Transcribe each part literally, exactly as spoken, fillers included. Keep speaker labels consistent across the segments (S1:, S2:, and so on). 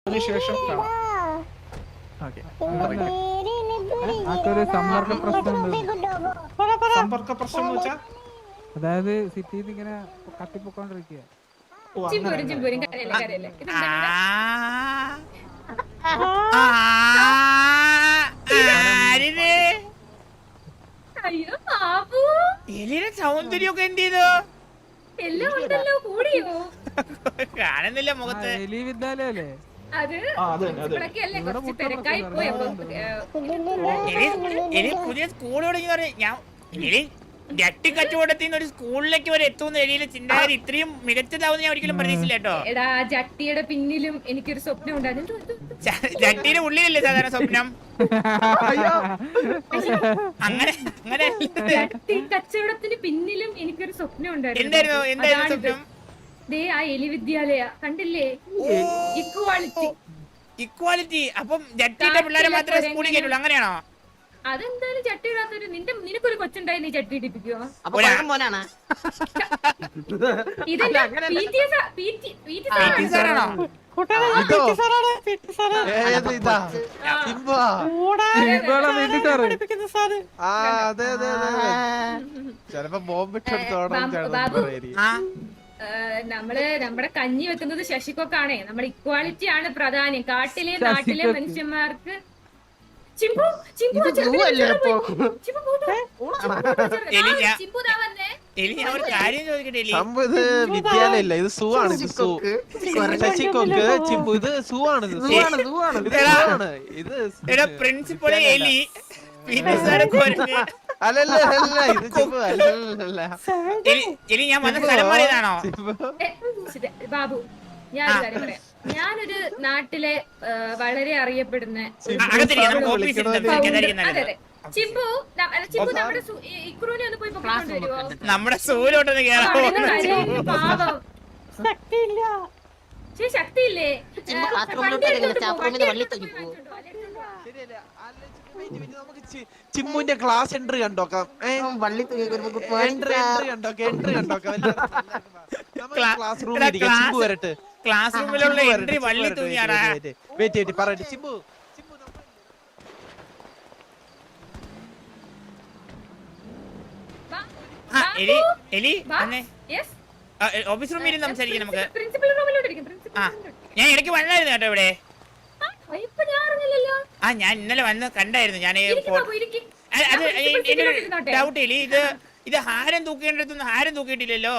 S1: അതിനുശേഷം കാണാം.
S2: സമ്പർക്ക പ്രശ്നമുണ്ട്.
S1: സമ്പർക്ക പ്രശ്നം എന്ന് വെച്ചാൽ
S2: അതായത് സിറ്റിയിൽ ഇങ്ങനെ കത്തിപ്പൊക്കോണ്ടിരിക്കുക.
S3: സൗന്ദര്യമൊക്കെ എന്ത് ചെയ്തു കാണുന്നില്ല മുഖത്ത്.
S2: എലി വിദ്യാലയല്ലേ
S3: എലി പുതിയ സ്കൂൾ തുടങ്ങി പറഞ്ഞ ഞാൻ എലി ജട്ടി കച്ചവടത്തിൽ ഒരു സ്കൂളിലേക്ക് വരെ എത്തുന്ന എലിയിലെ ചിന്താഗതി ഇത്രയും മികച്ചതാവുന്ന ഞാൻ ഒരിക്കലും പ്രതീക്ഷിച്ചില്ല കേട്ടോ.
S4: എടാ ജട്ടിയുടെ പിന്നിലും എനിക്കൊരു സ്വപ്നം ഉണ്ടായിരുന്നു.
S3: ജട്ടിയുടെ ഉള്ളിലല്ലേ സാധാരണ സ്വപ്നം? അങ്ങനെ അങ്ങനെ
S4: ജട്ടി കച്ചവടത്തിന് പിന്നിലും എനിക്കൊരു സ്വപ്നം ഉണ്ടായിരുന്നു.
S3: എന്തായിരുന്നു എന്തായിരുന്നു സ്വപ്നം?
S4: ദേ ആ എലി വിദ്യാലയ കണ്ടില്ലേ? Equality
S3: equality. അപ്പം ജട്ടിയുടെ പിള്ളേരെ മാത്രമേ സ്കൂളിൽ കയറ്റുള്ളൂ, അങ്ങനെയാണോ?
S4: അതെന്തായാലും ചട്ടി ഇടാത്തൊരു നിന്റെ നിനക്കൊരു കൊച്ചുണ്ടായി നീ ചട്ടി ഇടിപ്പിക്കുവോ? നമ്മള് നമ്മുടെ കഞ്ഞി വെക്കുന്നത് ശശിക്കൊക്കാണേ. നമ്മുടെ ഇക്വാലിറ്റി ആണ് പ്രധാനം. കാട്ടിലെ നാട്ടിലെ മനുഷ്യന്മാർക്ക്
S5: വിദ്യാലയല്ല, ഇത് സൂ ആണ്. ഇത് സൂ ശശിക്കൊക്ക് ചിമ്പു, ഇത് സൂ ആണ്. ഇത്
S3: പ്രിൻസിപ്പൾ എലി
S5: അല്ലല്ല അല്ല ഇത് ചിമ്പു അല്ലല്ല.
S3: എലി ഞാൻ വന്ന സ്ഥലം പറയുന്നതാണോ
S4: ബാബു? ഞാനൊരു കാര്യം പറയാം. ഞാനൊരു നാട്ടിലെ വളരെ അറിയപ്പെടുന്ന ചിമ്പു ചിമ്പു നമ്മുടെ ഇക്രൂനെ ഒന്ന് പോയി പൊക്കിക്കൊണ്ട് വരുവോ?
S3: നമ്മുടെ സൂര്യോട്ടൊന്ന്
S4: പാവം ശക്തിയില്ല. ശക്തിയില്ലേ?
S5: ചിമ്മുന്റെ ക്ലാസ് എൻട്രി കണ്ടോക്കാം. എൻട്രി കണ്ടോക്കാം എൻട്രി കണ്ടോക്കാം ക്ലാസ് റൂമിൽ ചിമ്പു വരട്ടെ.
S3: ക്ലാസ് റൂമിലുള്ള എൻട്രി വള്ളി തൂങ്ങിയാടാ.
S5: വെയിറ്റ് ചെയ്തിട്ട് പറയട്ടെ. ചിമ്പു
S3: എലി എലി ഓഫീസ് റൂമിൽ സംസാരിക്കാം നമുക്ക്. ഞാൻ ഇടയ്ക്ക് വന്നായിരുന്നു കേട്ടോ ഇവിടെ. ആ ഞാൻ ഇന്നലെ വന്ന് കണ്ടായിരുന്നു. ഞാൻ അത് എന്റെ ഡൗട്ട് ഇല്ല. ഇത് ഇത് ഹാരം തൂക്കേണ്ടടുത്തൊന്നും ഹാരം തൂക്കിയിട്ടില്ലല്ലോ.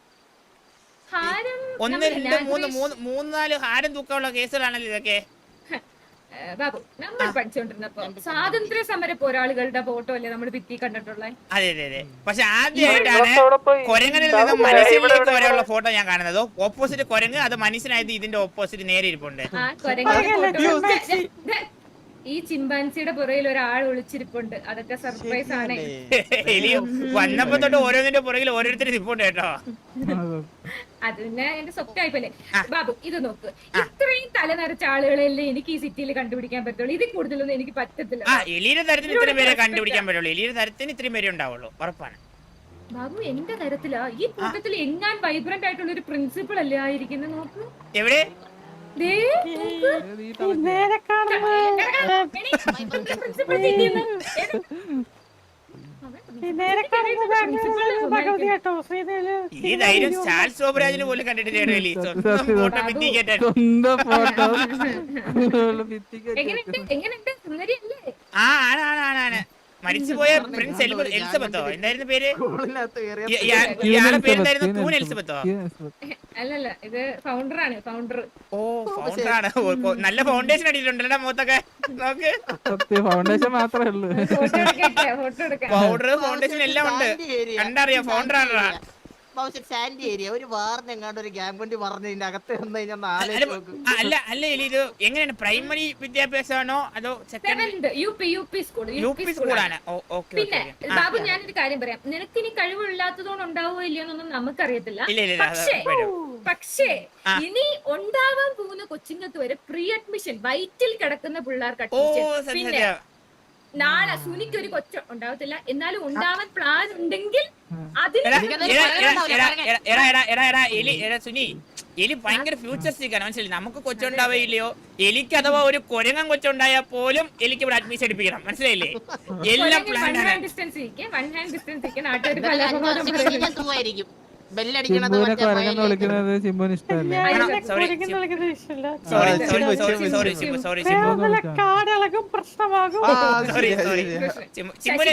S3: ഒന്ന് രണ്ട് മൂന്ന് മൂന്ന് മൂന്ന് നാല് ഹാരം തൂക്കാനുള്ള കേസുകളാണല്ലോ ഇതൊക്കെ.
S4: ബാബു നമ്മൾ പഠിച്ചോണ്ടിരുന്നപ്പോ സ്വാതന്ത്ര്യ സമര പോരാളികളുടെ ഫോട്ടോ അല്ലേ നമ്മൾ ഭിത്തി കണ്ടിട്ടുള്ളത്?
S3: അതെ അതെ അതെ. പക്ഷെ ആദ്യമായിട്ടാണ് കൊരങ്ങനിൽ നിന്ന് മനുഷ്യനിലേക്ക് വരെയുള്ള ഫോട്ടോ ഞാൻ കാണുന്നത്. ഓപ്പോസിറ്റ് കൊരങ്ങ്, അത് മനുഷ്യനായത് ഇതിന്റെ ഓപ്പോസിറ്റ് നേരെ ഇരിപ്പുണ്ട്.
S4: ആ കൊരങ്ങ ഈ ചിമ്പാൻസിയുടെ പുറകിൽ ഒരാൾ ഒളിച്ചിരിപ്പുണ്ട്. അതൊക്കെ സർപ്രൈസ് ആണ്.
S3: വന്നപ്പോ തൊട്ട് ഓരോന്നിന്റെ പുറകിൽ ഓരോരുത്തരും ഇരിപ്പുണ്ട് കേട്ടോ.
S4: അത് പിന്നെ എന്റെ സ്വപ്നമായിപ്പോലെ. ബാബു ഇത് നോക്ക്, ഇത്രയും തല നിറച്ച ആളുകളല്ലേ എനിക്ക് ഈ സിറ്റിയിൽ കണ്ടുപിടിക്കാൻ പറ്റുള്ളൂ. ഇതിൽ കൂടുതലൊന്നും എനിക്ക് പറ്റത്തില്ല.
S3: എലിയുടെ തരത്തിന് ഇത്രയും പേരെ കണ്ടുപിടിക്കാൻ പറ്റുള്ളൂ. എലിയുടെ തരത്തിന് ഇത്രയും പേരെ ഉണ്ടാവുള്ളൂ, ഉറപ്പാണ്.
S4: ബാബു എന്റെ തരത്തിലാ ഈ കൂട്ടത്തിൽ എങ്ങാൻ വൈബ്രന്റ് ആയിട്ടുള്ള ഒരു പ്രിൻസിപ്പിൾ അല്ലേ ആയിരിക്കുന്നത്? നോക്ക്
S3: എവിടെ ഈ ധൈര്യം സ്റ്റാൽ ശോഭരാജിന് പോലും കണ്ടിട്ടില്ലേ? ആ ആണ് ആണ് ആണ് ആണ് മരിച്ചുപോയ പ്രിൻസ് എലിസബത്തോ എന്തായിരുന്നു പേര്? ഇയാളുടെ പേരെന്തായിരുന്നു? ക്വീൻ എലിസബത്തോ?
S4: അല്ലല്ല, ഇത് ഫൗണ്ടർ ആണ്. ഫൗണ്ടർ.
S3: ഓ ഫൗണ്ടർ ആണ്. നല്ല ഫൗണ്ടേഷൻ അടിച്ചിട്ടുണ്ടല്ലോ മുഖത്തൊക്കെ. നോക്ക്,
S2: ഫൗണ്ടേഷൻ മാത്രമേ ഉള്ളൂ.
S3: പൗഡർ ഫൗണ്ടേഷൻ എല്ലാം ഉണ്ട്. കണ്ടറിയാം ഫൗണ്ടർ ആണോ?
S6: സാൻഡി ഏരിയ ഒരു വാറിനെങ്ങാണ്ട് ഒരു ഗ്യാങ് കൊണ്ട് പറഞ്ഞതിന്റെ അകത്ത്
S3: അല്ല അല്ല ഇത് എങ്ങനെയാണ്? പ്രൈമറി വിദ്യാഭ്യാസമാണോ അതോ
S4: second U P U P school?
S3: U P സ്കൂളാണ്.
S4: പിന്നെ ബാബു ഞാനൊരു കാര്യം പറയാം. നിനക്ക് ഇനി കഴിവില്ലാത്തതുകൊണ്ട് ഉണ്ടാവുമോ ഇല്ലയോന്നൊന്നും നമുക്കറിയത്തില്ല. പക്ഷേ പക്ഷേ ഇനി ഉണ്ടാവാൻ പോകുന്ന കൊച്ചുങ്ങൾക്ക് വരെ പ്രീ അഡ്മിഷൻ വൈറ്റിൽ കിടക്കുന്ന പിള്ളേർക്ക് അഡ്മിഷൻ. പിന്നെ നാളെ സുനിക്ക് ഒരു കൊച്ചു ഉണ്ടാവത്തില്ല, എന്നാലും ഉണ്ടാവാൻ പ്ലാൻ ഉണ്ടെങ്കിൽ
S3: സുനി എലി ഭയങ്കര ഫ്യൂച്ചറിസ്റ്റിക് ആണ്, മനസ്സിലായി? നമുക്ക് കൊച്ചുണ്ടാവില്ലയോ, എലിക്ക് അഥവാ ഒരു കൊരങ്ങൻ കൊച്ചുണ്ടായാൽ പോലും എലിക്ക് ഇവിടെ അഡ്മിഷൻ എടുപ്പിക്കണം, മനസ്സിലായില്ലേ? എല്ലാം പ്ലാൻ ആണ്.
S6: ആയിരിക്കും
S2: ചിമ്പുവിനെ കൊരങ്ങെന്ന് വിളിക്കുന്നത് ചിമ്പുവിന് ഇഷ്ടമല്ല.
S3: Sorry sorry sorry sorry sorry
S1: കാടളകും പ്രശ്നമാകും.
S3: സോറി സോറി ചിമ്പുനെ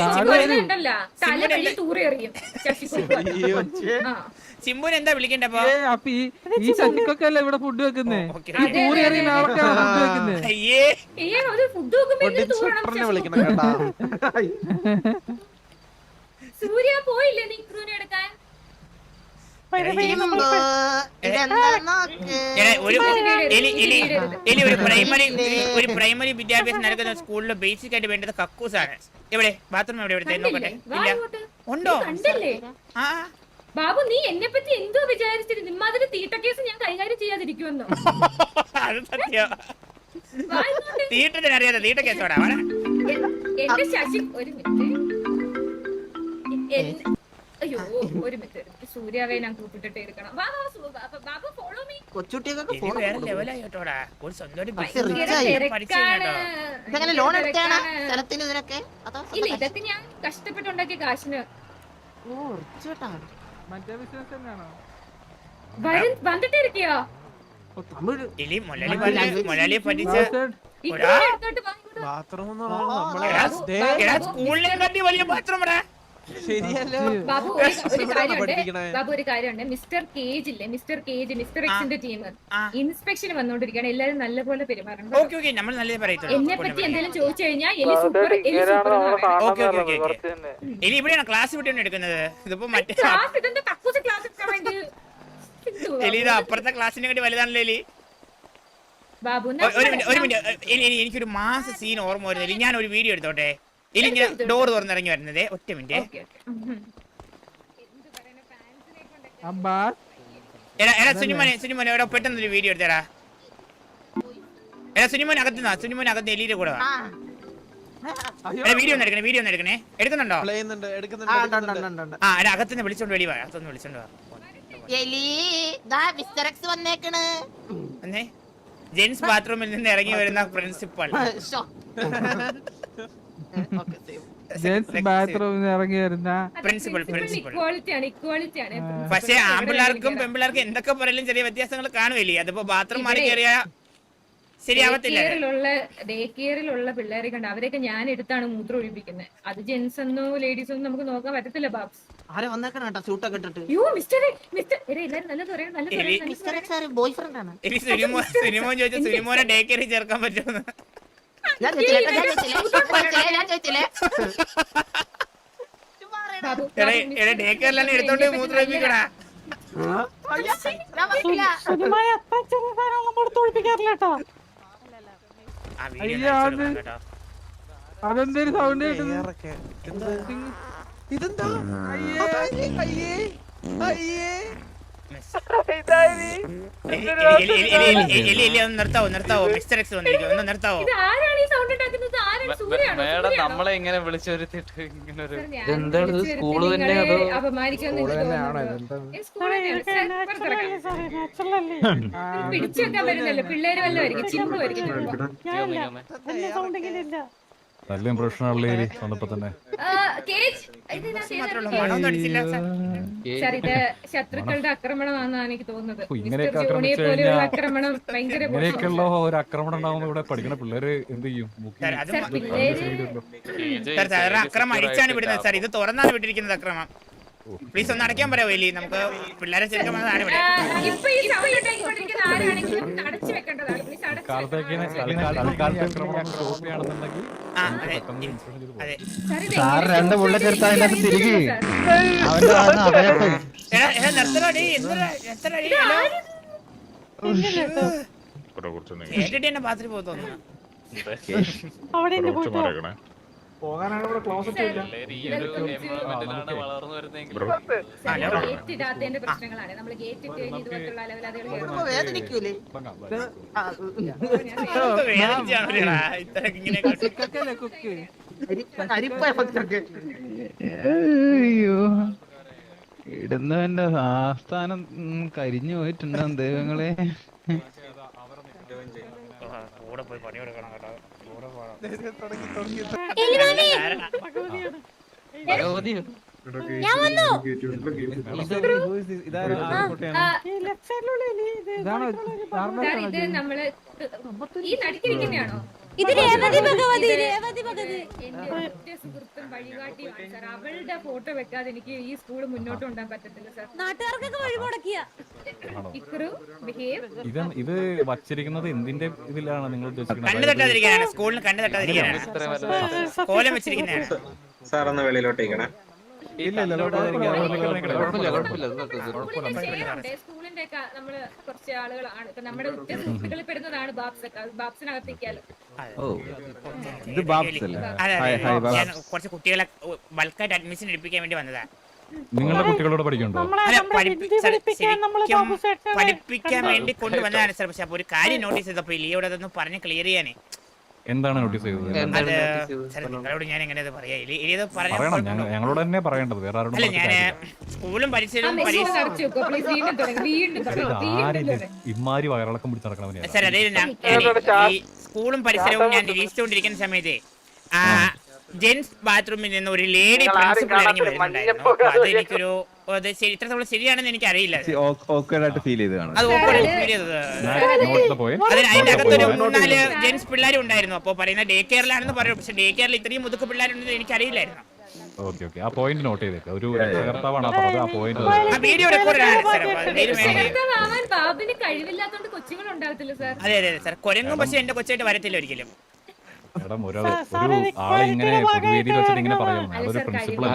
S3: ചിമ്പുനെ എന്താ വിളിക്കണ്ടപ്പോ?
S2: അപ്പൊ ഈ ഈ ശശിക്കൊക്കെ അല്ലേ ഇവിടെ ഫുഡ് വെക്കുന്നേ? പൂരി അറിയുന്ന ആൾക്കാണ് ഫുഡ് വെക്കുന്നേ.
S3: അയ്യേ
S5: വിളിക്കണം കേട്ടാ.
S4: സൂര്യ പോയില്ലേ നീ ക്രൂനെ എടുക്കാൻ?
S3: ഒരു എലി എലി എലി ഒരു പ്രൈമറി ഒരു പ്രൈമറി വിദ്യാഭ്യാസം നൽകുന്ന സ്കൂളിൽ ബേസിക് ആയിട്ട് വേണ്ടത് കക്കൂസാണ്. എവിടെ ബാത്റൂം എവിടെ എവിടെ നോക്കട്ടെ? ഇല്ല ഉണ്ടോ?
S4: കണ്ടല്ലേ
S3: ആ
S4: ബാബു, നീ എന്നെ പറ്റി എന്തോ വിചാരിച്ചിട്ട് നിമ്മാതിരി തീട്ട കേസ് ഞാൻ കൈകാര്യം ചെയ്യാതിരിക്കുമെന്നോ?
S3: അത് സത്യം. തീട്ടത്തിനറിയാതെ തീട്ട കേസോടാ.
S4: എന്റെ ശശി ഒരു മിനിറ്റ്. അയ്യോ ഒരു മിനിറ്റ്, സൂര്യാവെ ഞാൻ കൂപ്പിട്ടിട്ട് എടുക്കണം. Babu follow me.
S6: കൊച്ചുട്ടിയൊക്കെ
S3: വേറെ ലെവലായി കേട്ടോടാ. ഒരു സ്വന്തം
S6: ലോൺ എടുത്താണ് സ്ഥലത്തിന് ഇതിനൊക്കെ.
S4: ഇല്ല, ഇതൊക്കെ ഞാൻ കഷ്ടപ്പെട്ടുണ്ടാക്കിയ കാശിന്.
S2: മറ്റേ ബിസിനസ് തന്നെയാണോ?
S4: വന്നിട്ട് ഇരിക്കയോ?
S3: എലി മൊലാലി മൊലാലിയെ പറ്റിച്ച
S5: ബാത്റൂം
S3: സ്കൂളിനെ കണ്ടി വലിയ ബാത്റൂം
S5: ശരിയല്ലോ.
S4: ബാബു ഒരു കാര്യമുണ്ട്, ബാബു ഒരു കാര്യമുണ്ട്. മിസ്റ്റർ കേജ് ഇല്ലേ, മിസ്റ്റർ കേജ്, മിസ്റ്റർ എക്സിന്റെ ടീം ഇൻസ്പെക്ഷന് വന്നോണ്ടിരിക്കുകയാണ്. എല്ലാരും നല്ലപോലെ പെരുമാറണം. എന്നെ പറ്റി എന്തെങ്കിലും ചോദിച്ചു കഴിഞ്ഞാൽ എലി സൂപ്പർ എലി സൂപ്പർ
S3: എലി ഇവിടെയാണ് ക്ലാസ് വിട്ടാണ് എടുക്കുന്നത്. ഇതിപ്പോ മറ്റേ
S4: ക്ലാസ് ഇതെന്താ കക്കൂസ് ക്ലാസ് എടുക്കാൻ വേണ്ടി
S3: എലി ഇത് അപ്പുറത്തെ ക്ലാസ്സിനെ വേണ്ടി വലുതാണല്ലോ എലി.
S4: ബാബു
S3: ഒരു മിനിറ്റ് ഒരു മിനിറ്റ് എലി എനിക്കൊരു മാസ സീൻ ഓർമ്മ വരുന്നില്ല. ഞാൻ ഒരു വീഡിയോ എടുത്തോട്ടെ? എലി ഇങ്ങനെ ഡോർ തുറന്നിറങ്ങി വരുന്നത്. ഒറ്റ മിനിറ്റ്. എടാ എടാ സുനിമോനെ സുനിമോനെ എവിടെ പെട്ടെന്നൊരു വീഡിയോ എടുത്തേടാ. എടാ സുനിമോൻ അകത്തുനിന്നാ, സുനിമോൻ അകത്ത് എലിയുടെ കൂടെ വാ. വീഡിയോ ഒന്ന് എടുക്കണേ, വീഡിയോ ഒന്ന് എടുക്കണേ. എടുക്കുന്നുണ്ടോ? ആ എടാ അകത്തുനിന്ന് വിളിച്ചോണ്ട് വെളി വാ, അകത്തുനിന്ന് വിളിച്ചോണ്ട് വാ. എന്നേ ജെൻസ് ബാത്റൂമിൽ നിന്ന് ഇറങ്ങി വരുന്ന പ്രിൻസിപ്പൾ.
S2: ജെൻസ് ബാത്റൂമിൽ ഇറങ്ങി വരുന്ന
S3: പ്രിൻസിപ്പൾ പ്രിൻസിപ്പൾ
S4: ഇക്വാളിറ്റിയാണ്, ഇക്വാളിറ്റിയാണ്.
S3: പക്ഷേ ആൺപിള്ളേർക്കും പെൺപിള്ളേർക്കും എന്തൊക്കെ പറയലും ചെറിയ വ്യത്യാസങ്ങൾ കാണുമല്ലേ? അതിപ്പോ ബാത്റൂം മാറി കയറിയ ശരിയാവത്തില്ല.
S4: ഡേ കെയറിലുള്ള പിള്ളേരെ കണ്ട് അവരെയൊക്കെ ഞാൻ എടുത്താണ് മൂത്രം ഒഴിപ്പിക്കുന്നത്. അത് ജെൻസ് എന്നോ ലേഡീസ് ഒന്നും നമുക്ക് നോക്കാൻ പറ്റത്തില്ല ബാബ്സ്.
S6: ആരെ വന്നേക്കണം കേട്ടോ സൂട്ടൊക്കെ ഇട്ടിട്ട്.
S4: യോ മിസ്റ്റർ മിസ്റ്റർ എല്ലാരും നല്ലത് പറയാം, നല്ലത് പറയാം.
S6: മിസ്റ്റർ എക്സ് ആര് ബോയ് ഫ്രണ്ട് ആണ്?
S3: എലി സുനിമോ സുനിമോൻ ചോദിച്ചു സുനിമോനെ ഡേ കെയറിൽ ചേർക്കാൻ പറ്റുമെന്ന്.
S6: ഞാൻ ചോദിച്ചില്ലേ ഞാൻ ചോദിച്ചില്ലേ ഞാൻ ചോദിച്ചില്ലേ
S4: ബാബു
S3: എടാ ഡേ കെയറിലാണ് എടുത്തോണ്ട് മൂത്രം ഒഴിപ്പിക്കടാ.
S1: സുനിമായ അത്ര ചെറുതായി നമ്മൾ തോൽപ്പിക്കാറില്ല കേട്ടോ.
S3: ആ വീഡിയോ കേട്ടോ.
S2: അതെന്തൊരു സൗണ്ട് കേട്ടത്?
S5: ഇതെന്താ? അയ്യേ അയ്യേ
S3: നിർത്താവോ നിർത്താവോ മിസ്റ്റർ എക്സ് വന്നിരിക്കും, ഒന്ന് നിർത്താവോ?
S4: ഇത് ആരാണ് ഈ സൗണ്ട് ഉണ്ടാക്കുന്നത്? ആരാണ്? സൂര്യാണോ?
S7: മേഡം നമ്മളെ ഇങ്ങനെ വിളിച്ചൊരുത്തിട്ട് ഇങ്ങനെ ഒരു
S4: സ്കൂള് തന്നെ അപമാനിക്കാന്ന് പിടിച്ചു വെക്കാൻ പറ്റുന്നല്ലോ. പിള്ളേര് വല്ലതായിരിക്കും, ചിമ്പുമായിരിക്കും.
S8: നല്ല പ്രശ്നമുള്ള വന്നപ്പോ തന്നെ
S4: സാർ ഇത് ശത്രുക്കളുടെ ആക്രമണമാണെന്നാണ് എനിക്ക് തോന്നുന്നത്.
S8: ഇങ്ങനെയൊക്കെ
S4: ആക്രമണം ഭയങ്കര
S8: ഇങ്ങനെയൊക്കെയുള്ള ഒരു ആക്രമണം ഉണ്ടാവുമ്പോ ഇവിടെ പഠിക്കുന്ന പിള്ളേര് എന്ത് ചെയ്യും?
S3: അക്രമം അടിച്ചാണ് വിടുന്നത് സാർ. ഇത് തുറന്നാണ് വിട്ടിരിക്കുന്നത് അക്രമം. പ്ലീസ് ഒന്ന് അടയ്ക്കാൻ പറയാമോ എലി? നമുക്ക് പിള്ളേരെ ചേർക്കാൻ വന്നതാണ് ഇവിടെ.
S8: രണ്ട് ബുള്ളറ്റ് എടുത്താൽ അതിനകത്ത് തിരികെ
S3: എന്നെ പാത്രി പോയി തോന്നുന്നു.
S1: പോകാനാണ് ഇവിടെ ക്ലോസറ്റ് ഇല്ല.
S7: വളർന്നു വരുന്നെങ്കിൽ
S4: ഗേറ്റ് ഇടാത്തതിന്റെ പ്രശ്നങ്ങളാണ്. നമ്മൾ ഗേറ്റ് ഇട്ട് കഴിഞ്ഞ് ഇതുപോലുള്ള അലവലാദികൾ
S6: വേദനിക്കൂലേ?
S2: കുക്ക്
S6: അരിപ്പ എഫക്റ്റ് ഒക്കെ.
S9: ഇടുന്നവന്റെ ആസ്ഥാനം കരിഞ്ഞു പോയിട്ടുണ്ടോ ദൈവങ്ങളെ.
S3: കൂടെ പോയി പണി കൊടുക്കണം കേട്ടോ. കൂടെ പോകണം.
S4: ഞാൻ വന്നു. ഇത് നമ്മള് ഈ നടുക്കിരിക്കുന്നതാണോ? ഇത് രേവതി ഭഗവതി. രേവതി ഭഗവതി എന്റെ ഒറ്റ സുഹൃത്തും വഴികാട്ടിയാണ് സാർ. അവളുടെ ഫോട്ടോ വെക്കാതെ എനിക്ക് ഈ സ്കൂൾ മുന്നോട്ട് കൊണ്ടുപോകാൻ പറ്റത്തില്ല സാർ. നാട്ടുകാർക്കൊക്കെ വഴിമുടക്കിയ ഇക്രു ബിഹേവ്.
S8: ഇത് ഇത് വച്ചിരിക്കുന്നത് എന്തിന്റെ ഇതിലാണ് നിങ്ങൾ
S3: കണ്ണു
S8: ഉദ്ദേശിക്കുന്നത്?
S3: തട്ടാതിരിക്കാനാണ്, സ്കൂളിന് കണ്ണു തട്ടാതിരിക്കാനാണ് കോലം വെച്ചിരിക്കുന്നതാണ്.
S10: സാർ ഒന്ന് വെളിയിലോട്ടേക്കണേ.
S8: ഇല്ല ഇല്ല
S4: സ്കൂളിന്റെ ഒക്കെ നമ്മള് കുറച്ച് ആളുകളാണ് ഇപ്പൊ നമ്മുടെ ഉറ്റ സുഹൃത്തുക്കളിൽ പെടുന്നതാണ് ബാബ്സ് ഒക്കെ. ബാബ്സിനകത്തേക്കാലോ.
S3: കുറച്ച് കുട്ടികളെ ബൾക്കായിട്ട് അഡ്മിഷൻ എടുപ്പിക്കാൻ വേണ്ടി വന്നതാ.
S8: നിങ്ങളുടെ കുട്ടികളോട് പഠിക്കണ്ടോ?
S3: പഠിപ്പിക്കാൻ വേണ്ടി കൊണ്ടുവന്നതാണ് സാർ. പക്ഷെ അപ്പൊ ഒരു കാര്യം നോട്ടീസ് ചെയ്തപ്പോ ഇലിയോട് അതൊന്ന് പറഞ്ഞ് ക്ലിയർ ചെയ്യാനേ.
S8: എന്താണ് നോട്ടീസ് ചെയ്തത്?
S3: നിങ്ങളോട് ഞാൻ എങ്ങനെ പറയാ?
S8: ഞങ്ങളോട് തന്നെ പറയേണ്ടത്, വേറെ ആരോടും.
S3: അല്ല ഞാൻ സ്കൂളും പരിസരവും
S8: ഇമാരി വയറിളക്കം പിടിച്ച് നടക്കണവനെയാണ്
S3: സാർ. അതായത് സ്കൂളും പരിസരവും ഞാൻ നിരീക്ഷിച്ചുകൊണ്ടിരിക്കുന്ന സമയത്ത് ആ ജെന്റ്സ് ബാത്റൂമിൽ നിന്ന് ഒരു ലേഡി പ്രിൻസിപ്പൾ ഇറങ്ങി വരുന്നുണ്ടായിരുന്നു. അത് എനിക്കൊരു ഇത്രത്തോളം ശരിയാണെന്ന് എനിക്ക് അറിയില്ല. അത് ഓക്കേഡായിട്ട് ഫീൽ ചെയ്തതാണ്. അതിന്റെ അകത്തൊരു മൂന്നാല് ജെന്റ്സ് പിള്ളേരും ഉണ്ടായിരുന്നു. അപ്പൊ പറയുന്ന ഡേ കെയറിലാണെന്ന് പറയും. പക്ഷെ ഡേ കെയറിൽ ഇത്രയും മുതുക്ക് പിള്ളേരുണ്ടെന്ന് എനിക്ക് അറിയില്ലായിരുന്നു.
S8: ഓക്കെ ഓക്കെ ആ പോയിന്റ് നോട്ട് ചെയ്തേക്ക്. ഒരു രക്ഷകർത്താവാണ് പറഞ്ഞത്. ആ പോയിന്റ്
S3: വീഡിയോ റെക്കോർഡാണ് സാർ.
S4: ബാബിന് കഴിവില്ലാത്തോണ്ട് കൊച്ചുങ്ങൾ ഉണ്ടാകത്തില്ല സാർ.
S3: അതെ അതെ സാർ. കൊരങ്ങും പക്ഷെ എന്റെ കൊച്ചായിട്ട് വരത്തില്ല ഒരിക്കലും.
S8: മേഡം ഒരു ആളെ ഇങ്ങനെ പൊതുവേദിയിൽ വെച്ചിട്ട് ഇങ്ങനെ പറയണം. അതൊരു പ്രിൻസിപ്പൾ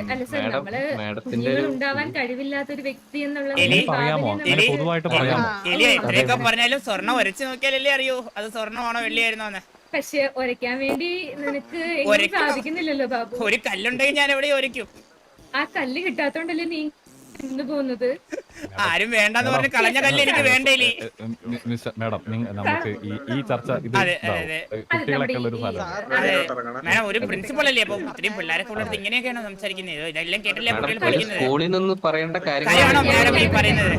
S4: ഉണ്ടാവാൻ കഴിവില്ലാത്ത ഒരു വ്യക്തി
S8: പറയാമോ? അങ്ങനെ പൊതുവായിട്ട് പറയാമോ?
S3: എത്രയൊക്കെ പറഞ്ഞാലും സ്വർണ്ണം ഒരച്ച് നോക്കിയാലല്ലേ അറിയൂ അത് സ്വർണ്ണമാണോ വെള്ളിയായിരുന്നോന്ന്.
S4: പക്ഷെ ഒരയ്ക്കാൻ വേണ്ടി നിനക്ക് സാധിക്കുന്നില്ലല്ലോ ബാബു.
S3: ഒരു കല്ലുണ്ടെങ്കിൽ ഞാൻ എവിടെ ഒരയ്ക്കും.
S4: ആ കല്ല് കിട്ടാത്തോണ്ടല്ലേ നീ ഇന്ന് പോകുന്നത്.
S3: ആരും വേണ്ടെന്ന് പറഞ്ഞ് കളഞ്ഞ കല്ല് എനിക്ക് വേണ്ടേലേ.
S8: മേഡം നമുക്ക് ഈ ചർച്ച കുട്ടികളൊക്കെ ഉള്ള ഒരു സ്ഥലം.
S3: മേഡം ഒരു പ്രിൻസിപ്പൾ അല്ലേ? അപ്പൊ ഇത്രയും പിള്ളേരൊക്കെ ഉള്ളത് ഇങ്ങനെയൊക്കെയാണോ സംസാരിക്കുന്നത്? ഇതെല്ലാം കേട്ടല്ലേ കുട്ടികൾ പഠിക്കുന്നത്?
S7: സ്കൂളിൽ നിന്ന് പറയേണ്ട
S3: കാര്യമാണോ മേഡം ഈ പറയുന്നത്?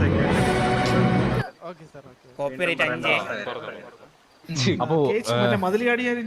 S3: കോപ്പിറൈറ്റ് അഞ്ച്
S8: അപ്പോ
S5: മതിൽ ചാടിയാലും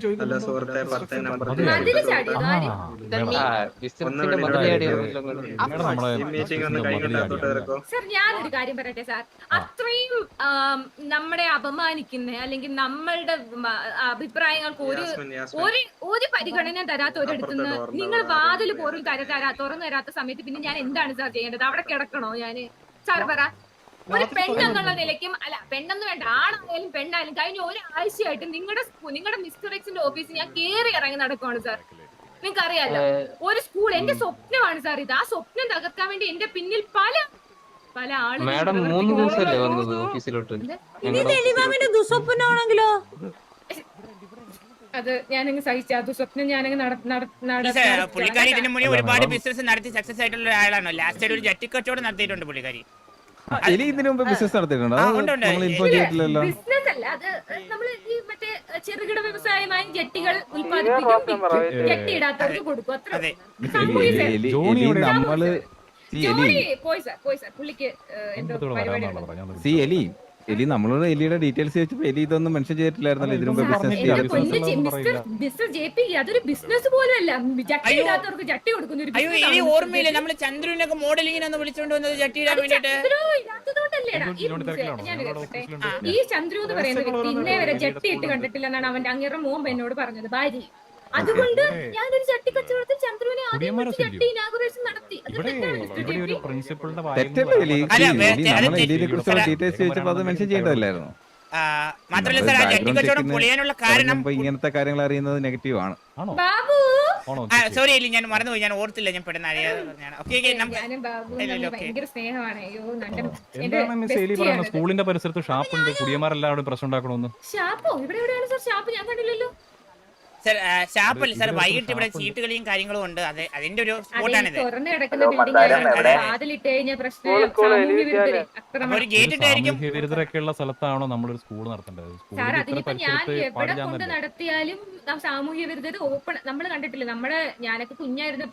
S4: സാർ ഞാനൊരു കാര്യം പറയട്ടെ സാർ. അത്രയും നമ്മളെ അപമാനിക്കുന്ന അല്ലെങ്കിൽ നമ്മളുടെ അഭിപ്രായങ്ങൾക്ക് ഒരു ഒരു ഒരു പരിഗണന തരാത്ത ഒരിടത്തുനിന്ന് നിങ്ങൾ വാതിൽ പോലും തര തരാ തുറന്നു തരാത്ത സമയത്ത് പിന്നെ ഞാൻ എന്താണ് സാർ ചെയ്യേണ്ടത്? അവിടെ കിടക്കണോ ഞാന്? സാർ പറ. ഒരു പെണ്ണെന്നുള്ള നിലയ്ക്കും അല്ല പെണ്ണെന്ന് വേണ്ട ആണായാലും പെണ്ണായാലും കഴിഞ്ഞ ഒരാഴ്ചയായിട്ട് നിങ്ങളുടെ നിങ്ങളുടെ മിസ്റ്റർ എക്സിന്റെ ഓഫീസിൽ ഞാൻ കേറി ഇറങ്ങി നടക്കുവാണ് സാർ. നിങ്ങൾക്ക് അറിയാലോ ഒരു സ്കൂൾ എന്റെ സ്വപ്നമാണ് സാർ ഇത്. ആ സ്വപ്നം തകർക്കാൻ വേണ്ടി എന്റെ പിന്നിൽ പല പല
S7: ആളുകളും മൂന്ന് ദിവസമല്ലേ വന്നത് ഓഫീസിലോട്ട്.
S4: ദുസ്വപ്നാണെങ്കിലോ അത് ഞാനങ്ങ് സഹിച്ച ദുസ്വപ്നം ഞാനങ്ങ്
S3: പുള്ളിക്കാരി ഇതിനു മുന്നേ ഒരുപാട് ബിസിനസ് നടത്തി സക്സസ് ആയിട്ടുള്ള ഒരാളാണ്. ലാസ്റ്റ് ആയിട്ട് ഒരു ജട്ടിക്കച്ചവടം നടത്തിയിട്ടുണ്ട് പുള്ളിക്കാരി.
S9: ഇതിനു മുമ്പ് ബിസിനസ് നടത്തിയിട്ടുണ്ടോ?
S4: ബിസിനസ് അല്ല അത് നമ്മള് ഈ മറ്റേ ചെറുകിട വ്യവസായമായി ജെട്ടികൾ ഉൽപ്പാദിപ്പിക്കും, ജെട്ടി ഇടാത്തവർക്ക് കൊടുക്കും. അത്ര പോയി സാർ പോയി സാർ പുള്ളിക്ക് എന്തോ പരിപാടി.
S9: എലി നമ്മളോട് എലിയുടെ ഡീറ്റെയിൽസ് ചോദിച്ചപ്പോ എലി ഇതൊന്നും മെൻഷൻ ചെയ്തിട്ടില്ലായിരുന്നല്ലോ ഇതിനു മുമ്പ്
S4: മിസ്റ്റർ ജെ പി അതൊരു ബിസിനസ് പോലും അല്ല. ജട്ടി ഇടാത്തവർക്ക് ജട്ടി കൊടുക്കുന്ന ഒരു
S3: അയ്യോ ഓർമ്മയില്ല. നമ്മള് ചന്ദ്രനൊക്കെ മോഡലിങ്ങിനൊന്ന് വിളിച്ചോണ്ട് വന്നത് ജട്ടി ഇടാൻ വേണ്ടിട്ട്.
S4: ഈ ചന്ദ്രു എന്ന് പറയുന്ന വ്യക്തി ഇന്നേ വരെ ജട്ടി ഇട്ട് കണ്ടിട്ടില്ല എന്നാണ് അവന്റെ അങ്ങേറെ മോൻ എന്നോട് പറഞ്ഞത് ഭാര്യ. അതുകൊണ്ട് ഞാനൊരു ചട്ടി കച്ചവടത്തിൽ ചന്ദ്രുവിനെ ജട്ടി ഇനാഗുറേഷൻ നടത്തി.
S3: മാത്രമല്ല സാർ ആ ജട്ടി കച്ചവടം പൊളിയാനുള്ള കാരണം
S9: ഇങ്ങനത്തെ കാര്യങ്ങൾ അറിയുന്നത് നെഗറ്റീവ് ആണ്.
S4: ബാബു
S3: സോറി എലി ഞാൻ മറന്നുപോയി. ഞാൻ ഓർത്തില്ല. ഞാൻ പെട്ടെന്ന്
S4: ഭയങ്കര സ്നേഹമാണ്.
S8: സ്കൂളിന്റെ പരിസരത്ത് ഷാപ്പുണ്ട്. കുടിയന്മാരെല്ലാവരും പ്രശ്നം ഉണ്ടാക്കണമെന്ന്.
S4: ഷാപ്പോ ഇവിടെ എവിടെയാണ് സാർ ഷാപ്പ്? ഞാൻ കണ്ടില്ലല്ലോ
S3: സാർ. ഷാപ്പല്ല സാർ. വൈകിട്ട് ഇവിടെ ചീട്ടുകളിയും കാര്യങ്ങളും ഉണ്ട്. അതെ അതിന്റെ ഒരു സ്പോട്ടാണിത്.
S4: തുറന്നു കിടക്കുന്ന ബിൽഡിംഗ് കഴിഞ്ഞ പ്രശ്നം ഒരു ഗേറ്റ് ഇട്ടായിരിക്കും.
S8: ഉള്ള സ്ഥലത്താണോ നമ്മളൊരു സ്കൂൾ നടത്തേണ്ടത്?
S4: സാർ അതിനിപ്പോ ഞാൻ എവിടെ കൊണ്ട് നടത്തിയാലും സാമൂഹ്യ വിരുദ്ധത ഓപ്പൺ നമ്മൾ കണ്ടിട്ടില്ല. നമ്മള് ഞാനൊക്കെ കുഞ്ഞായിരുന്നപ്പോ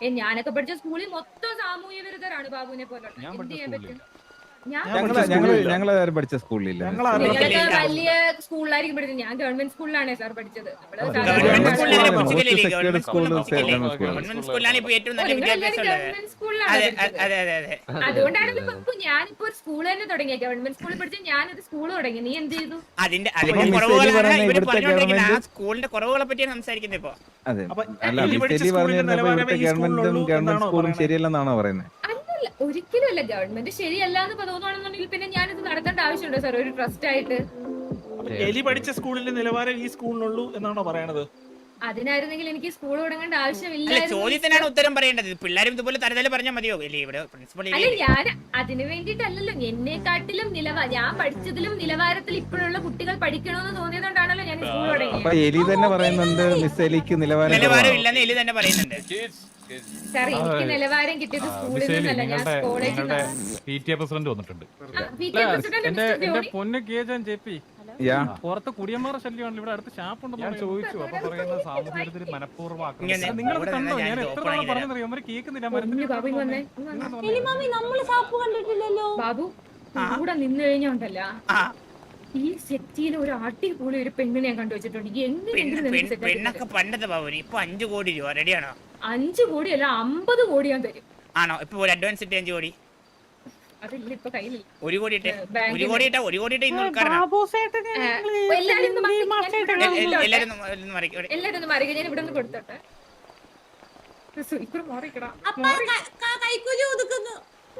S4: ഏ ഞാനൊക്കെ പഠിച്ച സ്കൂളിൽ മൊത്തം സാമൂഹ്യ വിരുദ്ധരാണ് ബാബുവിനെ പോലുള്ള. എന്ത് ചെയ്യാൻ പറ്റും? ഞാൻ
S9: ഞങ്ങള് ഞങ്ങള് ഞങ്ങള് ആരും പഠിച്ച സ്കൂളിലില്ല.
S4: നിങ്ങളൊക്കെ വലിയ സ്കൂളിലായിരിക്കും പഠിച്ചത്. ഞാൻ ഗവൺമെന്റ് സ്കൂളിലാണ് സാർ പഠിച്ചത്. നമ്മള്
S3: ഗവൺമെന്റ് സ്കൂളിൽ അങ്ങനെ
S9: most
S3: പൊച്ചിക്കലില്ലേ?
S9: secured
S3: ഗവൺമെന്റ്
S9: school
S3: സ്കൂളിൽ
S9: is
S3: പൊച്ചിക്കലില്ലേ?
S9: government school.
S3: ഗവൺമെന്റ് സ്കൂളിലാണ് ഇപ്പൊ ഏറ്റവും നല്ല വിദ്യാഭ്യാസം ഉള്ളത്.
S4: ഗവൺമെന്റ് സ്കൂളിലാണ്
S3: അതെ
S4: പഠിച്ചത്.
S3: അതെ അതെ അതെ.
S4: അതുകൊണ്ടാണ് ഇപ്പൊ ഞാനിപ്പോ ഒരു സ്കൂൾ തന്നെ തുടങ്ങിയ. ഗവൺമെന്റ് സ്കൂളിൽ പഠിച്ച ഞാനൊരു സ്കൂൾ തുടങ്ങി. നീ എന്ത് ചെയ്തു?
S3: അതിന്റെ അതിന്റെ
S9: മിസ് എലി
S3: കുറവുകളാണ്
S9: പറയുന്ന
S3: ഇവര്
S9: ഇവിടുത്തെ
S3: പറഞ്ഞുകൊണ്ടിരിക്കുന്നത്. ആ
S9: ഗവൺമെന്റ്
S3: സ്കൂളിന്റെ കുറവുകളെ പറ്റിയാണ് സംസാരിക്കുന്നത് ഇപ്പൊ.
S9: അതെ
S5: അപ്പൊ
S9: അല്ല
S5: എലി
S9: മിസ്
S5: പഠിച്ച
S9: എലി പറഞ്ഞു
S5: സ്കൂളിന്റെ
S9: തരുന്നപ്പോ
S5: നിലവാരമേ
S9: ഇവിടുത്തെ
S5: ഈ
S9: ഗവൺമെന്റും
S5: സ്കൂളിലുള്ളൂ
S9: ഗവൺമെന്റ്
S5: എന്നാണോ
S9: സ്കൂളും
S5: പറയുന്നത്?
S9: ശരിയല്ലെന്നാണോ പറയുന്നത്?
S4: അല്ലല്ല, ഒരിക്കലും അല്ല. ഗവൺമെന്റ് ശരിയല്ല എന്ന് തോന്നുവാണെന്നുണ്ടെങ്കിൽ പിന്നെ ഞാനിത് നടത്തേണ്ട ആവശ്യമുണ്ടോ സാർ ഒരു ട്രസ്റ്റ് ആയിട്ട്?
S5: അപ്പൊ എലി പഠിച്ച സ്കൂളിന്റെ നിലവാരം ഈ സ്കൂളിനുള്ളൂ എന്നാണോ പറയണത്?
S4: അതിനായിരുന്നെങ്കിൽ എനിക്ക് സ്കൂൾ തുടങ്ങേണ്ട
S3: അല്ല
S4: ആവശ്യമില്ലായിരുന്നു.
S3: ചോദ്യത്തിനാണ് ഉത്തരം പറയേണ്ടത്. പിള്ളേരും ഇതുപോലെ തരതല പറഞ്ഞാൽ മതിയോ? ഇല്ലേ ഇവിടെ പ്രിൻസിപ്പൾ
S4: അല്ല, ഞാൻ അതിനു വേണ്ടിയിട്ടല്ലല്ലോ. എന്നെക്കാട്ടിലും നിലവാര ഞാൻ പഠിച്ചതിലും നിലവാരത്തിൽ ഇപ്പോഴുള്ള കുട്ടികൾ പഠിക്കണമെന്ന് തോന്നിയതുകൊണ്ടാണല്ലോ ഞാൻ സ്കൂൾ
S9: അപ്പൊ
S4: തുടങ്ങിയത്.
S9: എലി തന്നെ പറയുന്നുണ്ട് മിസ് എലിക്ക് നിലവാരം
S3: നിലവാരം
S9: കുറവാണ്.
S3: ഇല്ലെന്ന് എലി തന്നെ പറയുന്നുണ്ട്.
S4: സാർ എനിക്ക് നിലവാരം കിട്ടിയത് സ്കൂളിൽ നിന്നല്ല, ഞാൻ കോളേജിൽ
S8: നിങ്ങളുടെ
S4: നിന്നാണ്.
S8: പി ടി എ പ്രസിഡന്റ് വന്നിട്ടുണ്ട്.
S4: പി ടി എ പ്രസിഡന്റ്
S2: എന്റെ
S4: മിസ്റ്റർ
S2: എന്റെ
S4: ജോണി.
S2: പൊന്ന് കേജൻ ജെ പി
S9: യാ
S2: പുറത്ത് കുടിയന്മാരുടെ ശല്യമാണ്. ഇവിടെ അടുത്ത് ഷാപ്പുണ്ടെന്ന്
S8: ഞാൻ ചോദിച്ചു അപ്പൊ പറയുന്നത് സാമൂഹ്യത്തിൽ മനഃപൂർവ്വം
S3: ഇങ്ങനെ
S8: ആക്രമിച്ചതാണ്.
S2: നിങ്ങൾ
S3: ഇവിടെ
S2: കണ്ടോ?
S3: നിന്നാ
S2: ഞാൻ
S3: ഞാൻ
S2: എത്ര
S3: ഓപ്പൺ
S2: തവണ
S3: ആക്കി തരാം.
S2: പറഞ്ഞറിയോ? അവര് കേൾക്കുന്നില്ല.
S4: പൊന്നു ബാബു ഇങ്ങ് വന്നേ, ഇങ്ങ് വന്നേ.
S1: നമ്മള് സാപ്പ് കണ്ടിട്ടില്ലല്ലോ.
S4: ബാബു കൂടെ നിന്ന് കഴിഞ്ഞോണ്ടല്ല
S3: ആ
S4: ഈ സെറ്റിയിൽ ഒരു അടിപൊളി ഒരു പെണ്ണിനെ ഞാൻ കണ്ടുവച്ചിട്ടുണ്ട്. എങ്ങനെയെങ്കിലും
S3: പെണ്ണ്-
S4: നിനക്ക്
S3: പെണ്ണ്-
S4: set ആക്കി
S3: പെണ്ണൊക്കെ
S4: തരാം.
S3: പണ്ടത്തെ ബാബുന് ഇപ്പൊ അഞ്ചു കോടി രൂപ റെഡിയാണോ?
S4: അഞ്ചു കോടി അല്ല, അമ്പത് കോടി ഞാൻ തരും.
S3: ആണോ? ഇപ്പൊ ഒരു അഡ്വാൻസ് ഇട്ട് അഞ്ചു കോടി,
S4: അതില്ല ഇപ്പൊ കയ്യിലില്ല.
S3: ഒരു കോടി ഇട്ടേ,
S4: ബാങ്കിൽ
S3: ഒരു കോടി ഇട്ടാ ഒരു കോടി ഇട്ട ഇന്ന് ഉൾക്കാരണം.
S1: ബാബു സേട്ടനെ
S4: ഏ,
S1: നിങ്ങള്
S4: എല്ലാരും ഒന്ന്
S1: ഹിന്ദി
S4: മാറ്റി-
S1: മാസ്റ്റർ
S4: ഞാൻ
S1: ഇടണം.
S4: ഇവിടെ
S3: എല്ലാരും ഒന്ന് ഒന്ന് മറിക്ക് ഇവിടെ.
S4: എല്ലാരും ഒന്ന് മാറി ഞാൻ ഇവിടെ നിന്ന് കൊടുത്തോട്ടെ. ഇക്കുറി മാറിക്കടാ.
S1: കൈക്കൂലി ഒതുക്കുന്നു.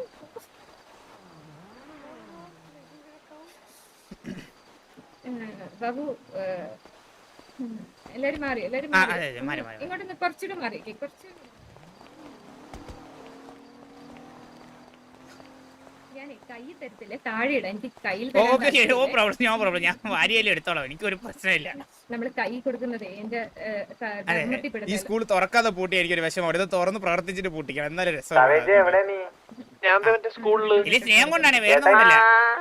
S4: ബാബു ഏ, ഉം, എല്ലാരും മാറി, എല്ലാരും
S3: ആ,
S4: മാറി.
S3: അതെ, അതെ, മാറി, മാറി.
S4: ഇങ്ങോട്ടൊന്ന് കുറച്ചുകൂടെ മാറി കുറച്ച്. ഞാനേ കൈ തരത്തില്ല, താഴെ ഇടാം. എനിക്ക് കയ്യിൽ തരാൻ
S3: ഓക്കെ നോ
S4: താല്പര്യമില്ല.
S3: Problem no problem. ഞാൻ വാരിയല്ലേ എടുത്തോളാം, എനിക്ക് ഒരു പ്രശ്നമില്ല.
S4: നമ്മള് കൈ കൊടുക്കുന്നതേ എന്റെ ഏ, ക-
S3: അതെ
S4: ധർമ്മത്തിൽ
S3: ഈ
S4: പെടുന്നത്.
S3: സ്കൂൾ തുറക്കാതെ പൂട്ടി എനിക്കൊരു വിഷമം. അവിടെ തുറന്ന് പ്രവർത്തിച്ചിട്ട് പൂട്ടിക്കണം, എന്നാലും രസം. ഇനി സ്നേഹം കൊണ്ടാണ്, വേറെ ഒന്നുമില്ല.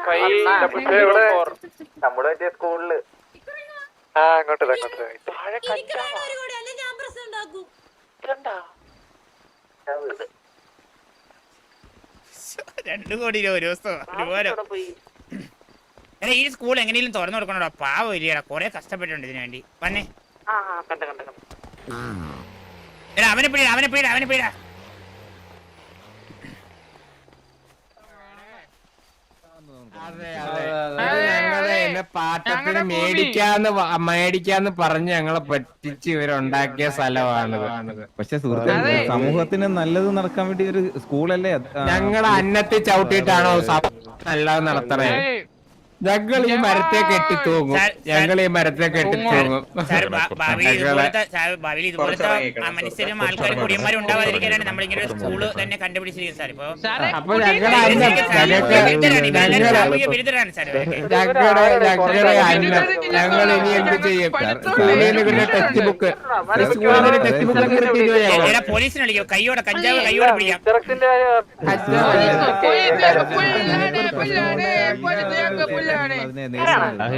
S3: രണ്ടു കോടി രൂപ ഒരു ദിവസം ഒരുപോലെ. എടാ ഈ സ്കൂൾ എങ്ങനെയും തുറന്നു കൊടുക്കണോടാ, പാവം ഇല്ലടാ, കൊറേ കഷ്ടപ്പെട്ടിട്ടുണ്ട് ഇതിനു വേണ്ടി. വന്നേ എടാ, അവനെ പിടിടാ, അവനെ പിടിടാ, അവനെ പിടിടാ.
S11: ഞങ്ങള് എന്നെ പാട്ടത്തിന് മേടിക്കാന്ന് വ- മേടിക്കാന്ന് പറഞ്ഞ് ഞങ്ങളെ പറ്റിച്ച് ഇവരുണ്ടാക്കിയ സ്ഥലമാണിത്.
S9: പക്ഷെ സുഹൃത്തെ സമൂഹത്തിന് നല്ലത് നടക്കാൻ വേണ്ടി ഒരു സ്കൂളല്ലേ അത്? ആ,
S11: ഞങ്ങളെ അന്നത്തിൽ ചവിട്ടിയിട്ടാണോ സഭ നല്ലത് നടത്തണേ? ഞങ്ങൾ ഈ മരത്തെ കെട്ടി തൂങ്ങും, ഞങ്ങൾ ഈ മരത്തെ കെട്ടി തൂങ്ങും.
S3: സാർ, ഭാ- ഭാവിയിൽ ഇതുപോലത്തെ സാർ, ഭാവിയിൽ ഇതുപോലത്തെ ആ മനുഷ്യരും ആൾക്കാരും കുടിയന്മാരും ഉണ്ടാവാതിരിക്കാനാണ് നമ്മളിങ്ങനെ ഒരു സ്കൂള് തന്നെ കണ്ടുപിടിച്ചിരിക്കുന്നത് സാർ. ഇപ്പൊ
S11: അപ്പൊ ഞങ്ങളെ അന്നം ഞങ്ങൾക്ക് ഞങ്ങളെ
S3: സാമൂഹ്യ വിരുദ്ധരാണ് സാർ ഇവരൊക്കെ.
S11: ഞങ്ങളുടെ ഞങ്ങളുടെ അന്നം ഞങ്ങൾ ഇനി എന്ത് ചെയ്യും? സ്കൂളിൽ നിന്ന് ടെക്സ്റ്റ് ബുക്ക് സ്കൂളിൽ നിന്ന് ടെക്സ്റ്റ് ബുക്ക് കിട്ടിയോ?
S3: എടാ, പോലീസിനെ വിളിക്കോ, കൈയോടെ കഞ്ചാവ് കൈയോടെ പിടിക്കാം.
S9: അതിനെ നേരിടുന്നത്.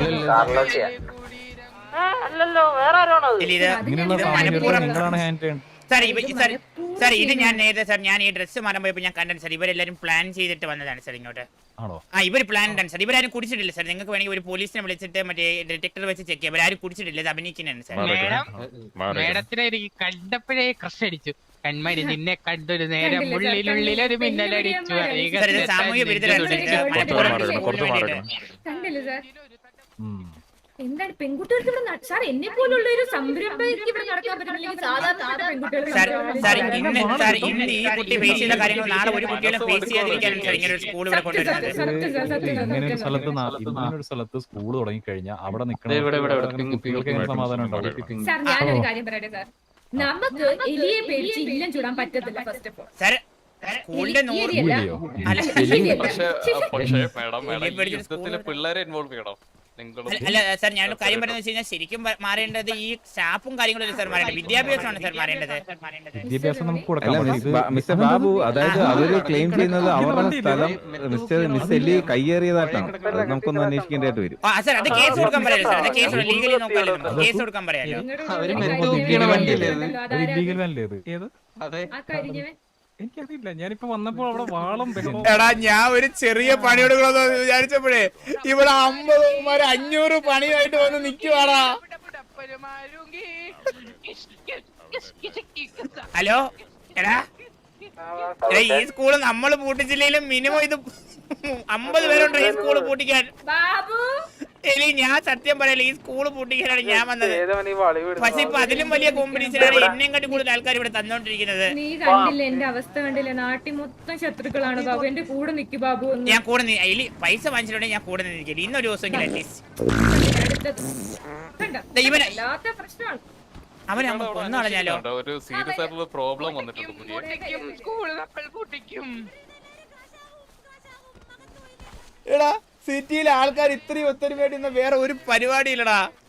S3: ഇല്ല, ഇത്
S8: ഇങ്ങനെയുള്ള
S3: ഇത്
S8: സാഹചര്യത്തിൽ
S3: മനഃപൂർവ്വം
S8: നിങ്ങളാണ് ഹാൻഡ് ചെയ്യേണ്ടത്.
S3: സാർ ഇവ സാർ സാർ ഇത് ഞാൻ നേരത്തെ സാർ ഞാൻ ഈ ഡ്രസ്സ് മാറാൻ പോയപ്പോൾ ഞാൻ കണ്ടത് സാർ. ഇവരെല്ലാരും പ്ലാൻ ചെയ്തിട്ട് വന്നതാണ് സാർ ഇങ്ങോട്ട്.
S8: ആണോ?
S3: ആ ഇവർ പ്ലാൻ ആണ് സാർ. ഇവരാരും കുടിച്ചിട്ടില്ല സാർ. നിങ്ങൾക്ക് വേണമെങ്കിൽ ഒരു പോലീസിനെ വിളിച്ചിട്ട് മറ്റേ ഡിറ്റക്ടർ വെച്ച് ചെക്ക് ചെയ്യാം. ഇവരാരും കുടിച്ചിട്ടില്ല, ഇത് അഭിനയിക്കുന്നതാണ് സാർ.
S11: മേഡത്തിനെ എനിക്ക് കണ്ടപ്പോഴേ ക്രഷ് അടിച്ചു. കൺമരി നിന്നെ കണ്ടൊരു നേരം ഉള്ളിലുള്ളിലൊരു മിന്നലടിച്ചു.
S3: സാർ ഇത് സാമൂഹ്യ വിരുദ്ധരാണ് സാർ. ഇത് മനഃപൂർവ്വം സ്കൂളിന് വേണ്ടിയിട്ട്.
S4: കണ്ടില്ലേ സാർ?
S8: ഉം.
S4: എന്താണ് പെൺകുട്ടികൾക്ക് ഇവിടെ ന- സാർ എന്നെ പോലുള്ള ഒരു സംരംഭയ്ക്ക് ഇവിടെ നടക്കാൻ പറ്റുന്നില്ലെങ്കിൽ സാധാരണ പെൺകുട്ടികൾ
S3: സാർ സാർ ഇന്ന് സാർ ഇന്ന് ഈ കുട്ടി ഫേസ് ചെയ്ത കാര്യങ്ങൾ നാളെ ഒരു കുട്ടികളും ഫേസ് ചെയ്യാതിരിക്കാനാണ് സാർ ഇങ്ങനെ ഒരു സ്കൂൾ ഇവിടെ കൊണ്ടുവരുന്നത്.
S8: ഇങ്ങനെ ഒരു സ്ഥലത്ത് നാ- ഇങ്ങനെ ഒരു സ്ഥലത്ത് സ്കൂൾ തുടങ്ങി കഴിഞ്ഞാൽ അവിടെ നിൽക്കുന്ന കുട്ടികൾക്ക് എങ്ങനെ സമാധാനം ഉണ്ടാവും?
S4: സാർ ഞാനൊരു കാര്യം പറയട്ടെ സാർ, നമുക്ക് എലിയെ പേടിച്ച് ഇല്ലം ചൂടാൻ പറ്റത്തില്ല. ഫസ്റ്റ് ഓഫ് ഓൾ
S3: സാർ സ്കൂളിന്റെ നൂറ്
S4: എലിയല്ല.
S3: അല്ല
S4: എലിയല്ല.
S12: പക്ഷേ പക്ഷേ മാഡം
S3: എലിയെ
S12: മാഡം
S3: പേടിച്ച്
S12: യുദ്ധത്തില്
S3: സ്കൂളിൽ
S12: പിള്ളേരെ ഇൻവോൾവ് ചെയ്യണം.
S3: അല്ല സാർ ഞാൻ കാര്യം പറയുന്നത് വെച്ച് കഴിഞ്ഞാൽ ശരിക്കും പ- മാറേണ്ടത് ഈ സ്റ്റാഫും കാര്യങ്ങളും സാർ മാറേണ്ടത് വിദ്യാഭ്യാസമാണ് സാർ മാറേണ്ടത്.
S8: വിദ്യാഭ്യാസം നമുക്ക് കൊടുക്കാം
S9: അല്ല
S8: പക്ഷേ
S9: മിസ്
S8: ഇത്
S9: ബാ- മിസ്റ്റർ ബാബു അതായത് അവര് ക്ലെയിം ചെയ്യുന്നത് അവരുടെ സ്ഥലം മിസ്റ്റർ മിസ് എലി കയ്യേറിയതായിട്ടാണ്. അത് നമുക്കൊന്ന് അന്വേഷിക്കേണ്ടതായിട്ട് വരും.
S3: ആ സാർ അത് കേസ് കൊടുക്കാൻ പറയാലോ സാർ, അത് കേസ് ലീഗലി നോക്കാമല്ലോ, കേസ് കൊടുക്കാൻ പറയാലോ.
S7: അവര് മരുന്ന് തൂക്കിയാണ് വണ്ടിയല്ലേ അത്?
S8: ഇല്ലീഗൽ വല്ലേ ഇത് ഏത്
S7: അതെ.
S4: ആ കഴിഞ്ഞവൻ
S8: എനിക്കറിയില്ല. ഞാനിപ്പോ വന്നപ്പോൾ അവിടെ വാളം ബഹളം.
S3: എടാ ഞാൻ ഒരു ചെറിയ പണിയെടുക്കണമെന്ന് വിചാരിച്ചപ്പോഴേ ഇവിടെ അമ്പത് അഞ്ഞൂറ് പണിയായിട്ട് വന്ന് നിക്കുവാടാ. ഹലോ എടാ എടാ, ഈ സ്കൂള് നമ്മള് പൂട്ടിച്ചില്ലെങ്കിലും മിനിമം ഇത് അമ്പത് പേരുണ്ട് ഈ സ്കൂള് പൂട്ടിക്കാൻ.
S4: ബാബു
S3: എലി ഞാൻ സത്യം പറയല, ഈ സ്കൂള് പൂട്ടിക്കാനാണ് ഞാൻ വന്നത്. പക്ഷെ ഇപ്പൊ അതിലും വലിയ കോമ്പറ്റീഷനാണ് എന്നെയും കാട്ടി കൂടുതൽ ആൾക്കാർ ഇവിടെ തന്നോണ്ടിരിക്കുന്നത്.
S4: നീ കണ്ടില്ല എന്റെ അവസ്ഥ കണ്ടില്ല, നാട്ടിൽ മൊത്തം ശത്രുക്കളാണ് ബാബു. എന്റെ കൂടെ നിക്ക് ബാബു ഒന്ന്.
S3: ഞാൻ കൂടെ നി- എലി പൈസ വാങ്ങിച്ചിട്ടുണ്ടെങ്കിൽ ഞാൻ കൂടെ നിന്നിരിക്കില്ല ഇന്നൊരു ദിവസമെങ്കിലും അറ്റ്ലീസ്റ്റ്.
S4: കണ്ടോ?
S3: ഇവനെ
S4: വല്ലാത്ത പ്രശ്നമാണ്.
S3: അവനെ അങ്ങ് കൊന്നു കളഞ്ഞാലോ.
S8: ഒരു സീരിയസ് ആയിട്ടുള്ള പ്രോബ്ലം വന്നിട്ടുണ്ട്.
S3: എടാ സിറ്റിയിലെ ആൾക്കാർ ഇത്രയും ഒത്തൊരുമയായിട്ട് വേറെ ഒരു പരിപാടി ഇല്ലടാ.